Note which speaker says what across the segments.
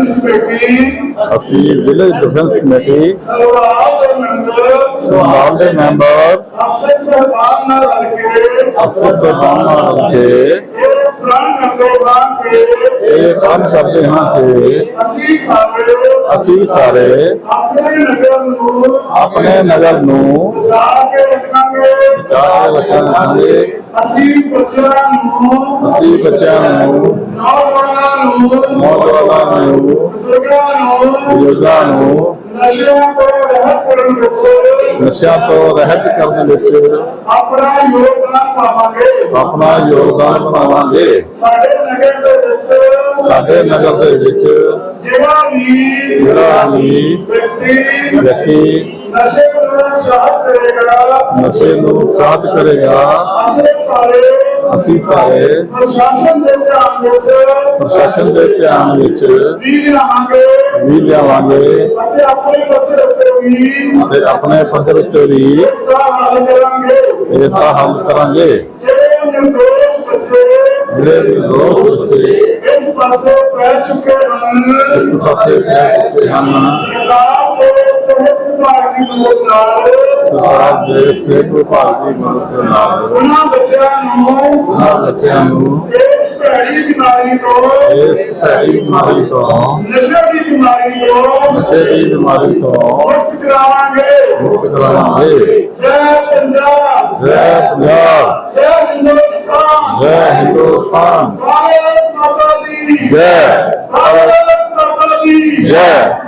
Speaker 1: ਅਸੀਂ village defence committee ਸੰਭਾਲ ਦੇ ਮੈਂਬਰ ਅਫਸਰ ਸਾਹਿਬਾਨ ਨਾਲ ਰਲ ਕੇ ਇਹ ਕੰਮ ਕਰਦੇ ਹਾਂ ਕਿ ਅਸੀਂ ਸਾਰੇ ਆਪਣੇ ਨਗਰ ਨੂੰ ਬਚਾ ਕੇ ਰੱਖਾਂਗੇ। ਅਸੀਂ ਬੱਚਿਆਂ ਨੂੰ ਨੌਜਵਾਨਾਂ ਨੂੰ ਬਜ਼ੁਰਗਾਂ ਨੂੰ ਨਸ਼ਿਆਂ ਤੋਂ ਰਹਿਤ ਕਰਨ ਵਿੱਚ ਆਪਣਾ ਯੋਗਦਾਨ ਪਾਵਾਂਗੇ। ਸਾਡੇ ਨਗਰ ਦੇ ਵਿੱਚ ਜਿਹੜਾ ਵੀ ਵਿਅਕਤੀ ਨਸ਼ੇ ਨੂੰ ਉਤਸ਼ਾਹਿਤ ਕਰੇਗਾ ਅਸੀਂ ਸਾਰੇ ਪ੍ਰਸ਼ਾਸਨ ਦੇ ਧਿਆਨ ਵਿੱਚ ਵੀ ਲਿਆਵਾਂਗੇ ਅਤੇ ਆਪਣੇ ਪੱਧਰ ਉੱਤੇ ਵੀ ਇਸ ਦਾ ਹੱਲ ਕਰਾਂਗੇ। ਜਿਹੜੇ ਵੀ ਦੋਸਤ ਬੱਚੇ ਇਸ ਪਾਸੇ ਪੈ ਚੁੱਕੇ ਹਨ ਸਰਕਾਰ ਦੇ ਸਿਹਤ ਵਿਭਾਗ ਦੀ ਮਦਦ ਦੇ ਨਾਲ ਉਹਨਾਂ ਬੱਚਿਆਂ ਨੂੰ ਇਸ ਭੈੜੀ ਬਿਮਾਰੀ ਤੋਂ ਨਸ਼ੇ ਦੀ ਬਿਮਾਰੀ ਤੋਂ ਮੁਕਤ ਕਰਾਵਾਂਗੇ। ਜੈ ਪੰਜਾਬ, ਜੈ ਪੰਜਾਬ, ਜੈ ਹਿੰਦੁਸਤਾਨ, ਭਾਰਤ ਮਾਤਾ ਦੀ ਜੈ, ਭਾਰਤ ਮਾਤਾ ਦੀ ਜੈ।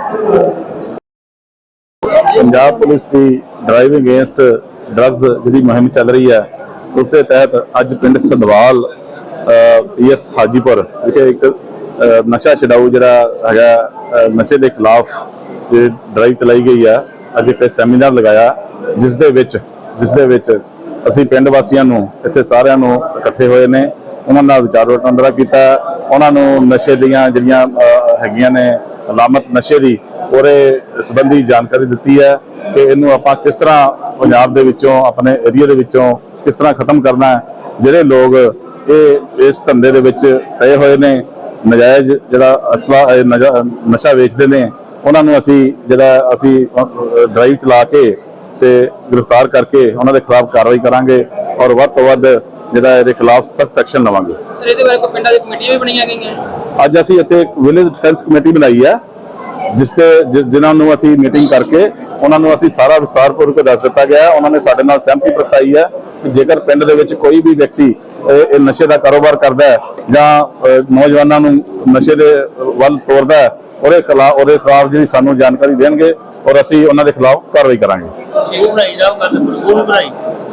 Speaker 1: ਪੰਜਾਬ ਪੁਲਿਸ ਦੀ ਡਰਾਈਵਿੰਗ ਅਗੇਂਸਟ ਡਰੱਗਸ ਜਿਹੜੀ ਮੁਹਿੰਮ ਚੱਲ ਰਹੀ ਹੈ ਉਸ ਦੇ ਤਹਿਤ ਅੱਜ ਪਿੰਡ ਸੰਧਵਾਲ ਪੀਐਸ ਹਾਜੀਪੁਰ ਵਿਖੇ ਇੱਕ ਨਸ਼ਾ ਛਡਾਊ ਜਿਹੜਾ ਹੈਗਾ ਨਸ਼ੇ ਦੇ ਖਿਲਾਫ ਜਿਹੜੀ ਡਰਾਈਵ ਚਲਾਈ ਗਈ ਹੈ। ਅੱਜ ਇੱਕ ਸੈਮੀਨਾਰ ਲਗਾਇਆ ਜਿਸ ਦੇ ਵਿੱਚ ਅਸੀਂ ਪਿੰਡ ਵਾਸੀਆਂ ਨੂੰ ਇੱਥੇ ਸਾਰਿਆਂ ਨੂੰ ਇਕੱਠੇ ਹੋਏ ਨੇ, ਉਹਨਾਂ ਨਾਲ ਵਿਚਾਰ ਵਟਾਂਦਰਾ ਕੀਤਾ, ਉਹਨਾਂ ਨੂੰ ਨਸ਼ੇ ਦੀਆਂ ਜਿਹੜੀਆਂ ਹੈਗੀਆਂ ਨੇ ਅਲਾਮਤ ਨਸ਼ੇ ਦੀ ਉਹਦੇ ਸੰਬੰਧੀ ਜਾਣਕਾਰੀ ਦਿੱਤੀ ਹੈ ਕਿ ਇਹਨੂੰ ਆਪਾਂ ਕਿਸ ਤਰ੍ਹਾਂ ਪੰਜਾਬ ਦੇ ਵਿੱਚੋਂ ਆਪਣੇ ਏਰੀਆ ਦੇ ਵਿੱਚੋਂ ਕਿਸ ਤਰ੍ਹਾਂ ਖਤਮ ਕਰਨਾ ਹੈ। ਜਿਹੜੇ ਲੋਕ ਇਸ ਧੰਦੇ ਦੇ ਵਿੱਚ ਪਏ ਹੋਏ ਨੇ, ਨਜਾਇਜ਼ ਜਿਹੜਾ ਅਸਲਾ ਨਸ਼ਾ ਵੇਚਦੇ ਨੇ, ਉਹਨਾਂ ਨੂੰ ਅਸੀਂ ਡਰਾਈਵ ਚਲਾ ਕੇ ਤੇ ਗ੍ਰਿਫਤਾਰ ਕਰਕੇ ਉਹਨਾਂ ਦੇ ਖਿਲਾਫ ਕਾਰਵਾਈ ਕਰਾਂਗੇ ਔਰ ਵੱਧ ਤੋਂ ਵੱਧ ਜਿਹੜਾ ਇਹਦੇ ਖਿਲਾਫ ਸਖਤ ਐਕਸ਼ਨ ਲਵਾਂਗੇ।
Speaker 2: ਇਹਦੇ ਬਾਰੇ ਕੋਈ ਪਿੰਡਾਂ ਦੀ ਕਮੇਟੀਆਂ ਵੀ ਬਣਾਈਆਂ ਗਈਆਂ?
Speaker 1: ਅੱਜ ਅਸੀਂ ਇੱਥੇ ਇੱਕ ਵਿਲੇਜ ਡਿਫੈਂਸ ਕਮੇਟੀ ਬਣਾਈ ਹੈ ਜਿਨ੍ਹਾਂ ਨੂੰ ਅਸੀਂ ਮੀਟਿੰਗ ਕਰਕੇ ਉਹਨਾਂ ਨੂੰ ਅਸੀਂ ਸਾਰਾ ਵਿਸਤਾਰਪੂਰਵਕ ਦੱਸ ਦਿੱਤਾ ਗਿਆ। ਉਹਨਾਂ ਨੇ ਸਾਡੇ ਨਾਲ ਸਹਿਮਤੀ ਪ੍ਰਗਟਾਈ ਹੈ ਕਿ ਜੇਕਰ ਪਿੰਡ ਦੇ ਵਿੱਚ ਕੋਈ ਵੀ ਵਿਅਕਤੀ ਇਹ ਨਸ਼ੇ ਦਾ ਕਾਰੋਬਾਰ ਕਰਦਾ ਹੈ ਜਾਂ ਨੌਜਵਾਨਾਂ ਨੂੰ ਨਸ਼ੇ ਦੇ ਵੱਲ ਤੋਰਦਾ ਹੈ ਉਹਦੇ ਖਿਲਾਫ ਜਿਹੜੀ ਸਾਨੂੰ ਜਾਣਕਾਰੀ ਦੇਣਗੇ ਔਰ ਅਸੀਂ ਉਹਨਾਂ ਦੇ ਖਿਲਾਫ ਕਾਰਵਾਈ ਕਰਾਂਗੇ।